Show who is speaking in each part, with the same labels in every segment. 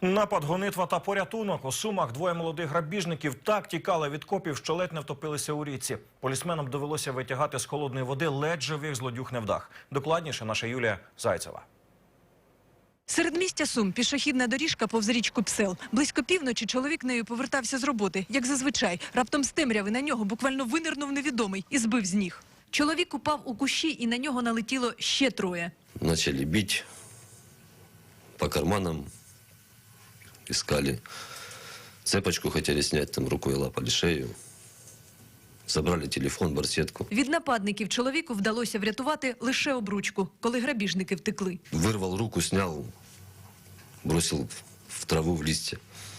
Speaker 1: Напад, гонитва та порятунок. У Сумах двоє молодих грабіжників так тікали від копів, що ледь не втопилися у річці. Полісменам довелося витягати з холодної води ледь живих злодюг невдах. Докладніше наша Юлія Зайцева.
Speaker 2: Середмістя Сум – пішохідна доріжка повз річку Псел. Близько півночі чоловік нею повертався з роботи, як зазвичай. Раптом з темряви на нього буквально винирнув невідомий і збив з ніг. Чоловік упав у кущі і на нього налетіло ще троє.
Speaker 3: Начали бить по карманам, искали цепочку, хотели снять, там рукой лапали шею. Забрали телефон, барсетку.
Speaker 2: Від нападників чоловіку вдалося врятувати лише обручку, коли грабіжники втекли.
Speaker 3: Вырвал руку, снял, бросил в траву, в листья.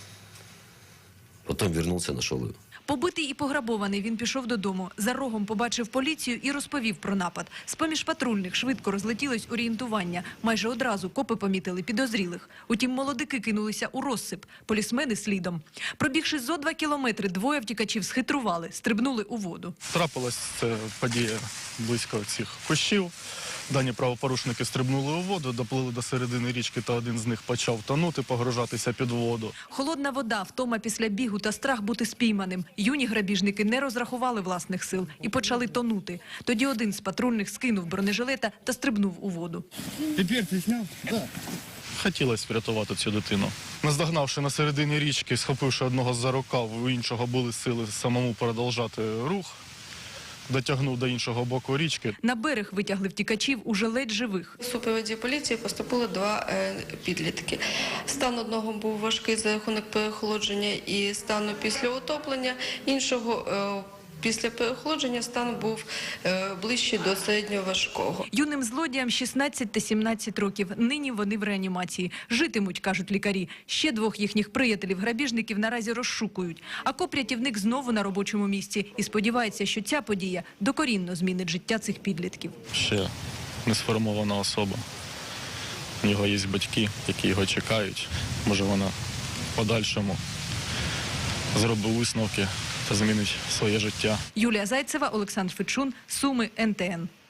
Speaker 3: Потом вернулся, нашел ее.
Speaker 2: Побитий і пограбований, він пішов додому. За рогом побачив поліцію і розповів про напад. З-поміж патрульних швидко розлетілось орієнтування. Майже одразу копи помітили підозрілих. Утім, молодики кинулися у розсип, полісмени слідом. Пробігши зо 2 кілометри, двоє втікачів схитрували, стрибнули у воду.
Speaker 4: Трапилась ця подія близько цих кущів. Дані правопорушники стрибнули у воду, доплили до середини річки, та один з них почав тонути, погружатися під воду.
Speaker 2: Холодна вода, втома після бігу та страх бути спійманим. Юні грабіжники не розрахували власних сил і почали тонути. Тоді один з патрульних скинув бронежилета та стрибнув у воду.
Speaker 5: Тепер ти зняв? Так.
Speaker 4: Хотілося врятувати цю дитину. Наздогнавши на середині річки, схопивши одного за рукав, у іншого були сили самому продовжати рух, дотягнув до іншого боку річки.
Speaker 2: На берег витягли втікачів уже ледь живих.
Speaker 6: У супроводі поліції поступили 2 підлітки. Стан одного був важкий за рахунок переохолодження і стану після утоплення, іншого після переохолодження стан був ближче до середньо важкого.
Speaker 2: Юним злодіям 16 та 17 років. Нині вони в реанімації. Житимуть, кажуть лікарі. Ще 2 їхніх приятелів-грабіжників наразі розшукують. А коп-рятівник знову на робочому місці і сподівається, що ця подія докорінно змінить життя цих підлітків.
Speaker 4: Ще не сформована особа. У нього є батьки, які його чекають. Може, вона в подальшому зробить висновки та змінить своє життя.
Speaker 2: Юлія Зайцева, Олександр Фечун, Суми, НТН.